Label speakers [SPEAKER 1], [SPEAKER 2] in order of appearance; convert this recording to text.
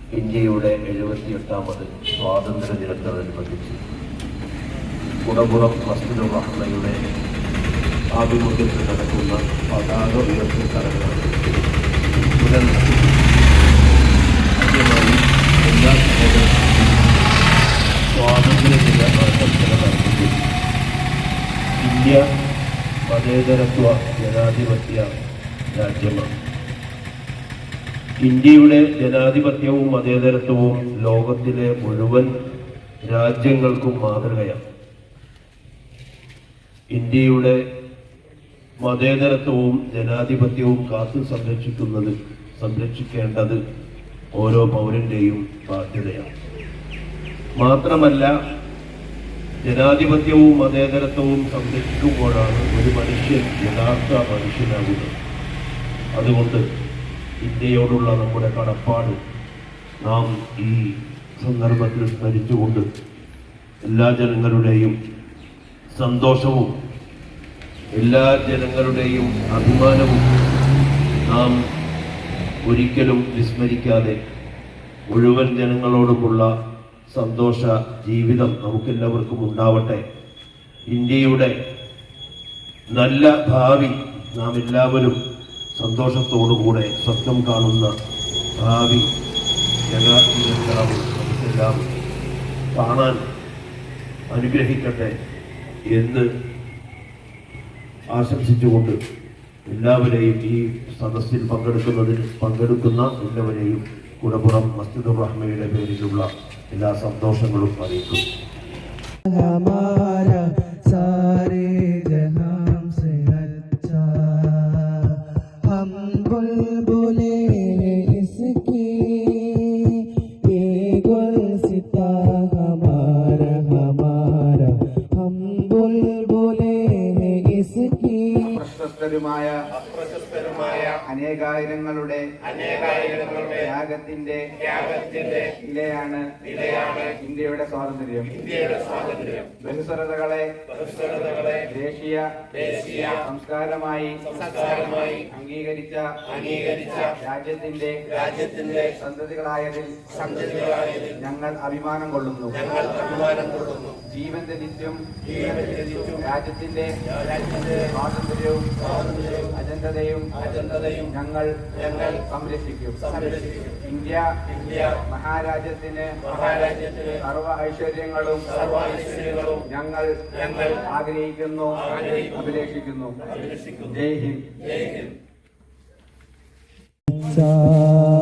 [SPEAKER 1] ഇന്ത്യയുടെ 78ാമത് സ്വാതന്ത്ര്യ ദിനത്തോടനുബന്ധിച്ച് കുടപ്പുറം മസ്ജിദുർ റഹ്മയുടെ ആഭിമുഖ്യത്തിൽ നടക്കുന്ന പതാക ഉയർത്തൽ ചടങ്ങാണ് എല്ലാ സ്വാതന്ത്ര്യ ദിന ആശംസകൾ നടത്തുന്നു. ഇന്ത്യ മതേതരത്വ ജനാധിപത്യ രാജ്യമാണ്. ഇന്ത്യയുടെ ജനാധിപത്യവും മതേതരത്വവും ലോകത്തിലെ മുഴുവൻ രാജ്യങ്ങൾക്കും മാതൃകയാണ്. ഇന്ത്യയുടെ മതേതരത്വവും ജനാധിപത്യവും കാത്തു സംരക്ഷിക്കേണ്ടത് ഓരോ പൗരന്റെയും ബാധ്യതയാണ്. മാത്രമല്ല, ജനാധിപത്യവും മതേതരത്വവും സംരക്ഷിക്കുമ്പോഴാണ് ഒരു മനുഷ്യൻ യഥാർത്ഥ മനുഷ്യനാകുന്നത്. അതുകൊണ്ട് ഇന്ത്യയോടുള്ള നമ്മുടെ കടപ്പാട് നാം ഈ സന്ദർഭത്തിൽ സ്മരിച്ചുകൊണ്ട് എല്ലാ ജനങ്ങളുടെയും സന്തോഷവും എല്ലാ ജനങ്ങളുടെയും അഭിമാനവും നാം ഒരിക്കലും വിസ്മരിക്കാതെ മുഴുവൻ ജനങ്ങളോടുമുള്ള സന്തോഷ ജീവിതം നമുക്കെല്ലാവർക്കും ഉണ്ടാവട്ടെ. ഇന്ത്യയുടെ നല്ല ഭാവി നാം എല്ലാവരും സന്തോഷത്തോടുകൂടെ സ്വപ്നം കാണുന്ന ഭാവി നമുക്കെല്ലാം കാണാൻ അനുഗ്രഹിക്കട്ടെ എന്ന് ആശംസിച്ചുകൊണ്ട് എല്ലാവരെയും ഈ സദസ്സിൽ പങ്കെടുക്കുന്ന എല്ലാവരെയും കുടപ്പുറം മസ്ജിദുർ റഹ്മയുടെ പേരിലുള്ള എല്ലാ സന്തോഷങ്ങളും അറിയിക്കും.
[SPEAKER 2] അപ്രശസ്തരുമായ അനേകായിരങ്ങളുടെ ത്യാഗത്തിന്റെ ഇലയാണ് ഇന്ത്യയുടെ സ്വാതന്ത്ര്യം. ബഹുസ്വരതകളെ ദേശീയ സംസ്കാരമായി അംഗീകരിച്ച രാജ്യത്തിന്റെ സന്തതികളായതിൽ ഞങ്ങൾ അഭിമാനം കൊള്ളുന്നു. ജീവൻ ത്യജിച്ചും രാജ്യത്തിന്റെ സ്വാതന്ത്ര്യവും അജന്തതയും ഞങ്ങൾ സംരക്ഷിക്കും. ഇന്ത്യ മഹാരാജ്യത്തിന് സർവ ഐശ്വര്യങ്ങളും ഞങ്ങൾ ആഗ്രഹിക്കുന്നു, അഭിലേഷിക്കുന്നു. ജയ് ഹിന്ദ്.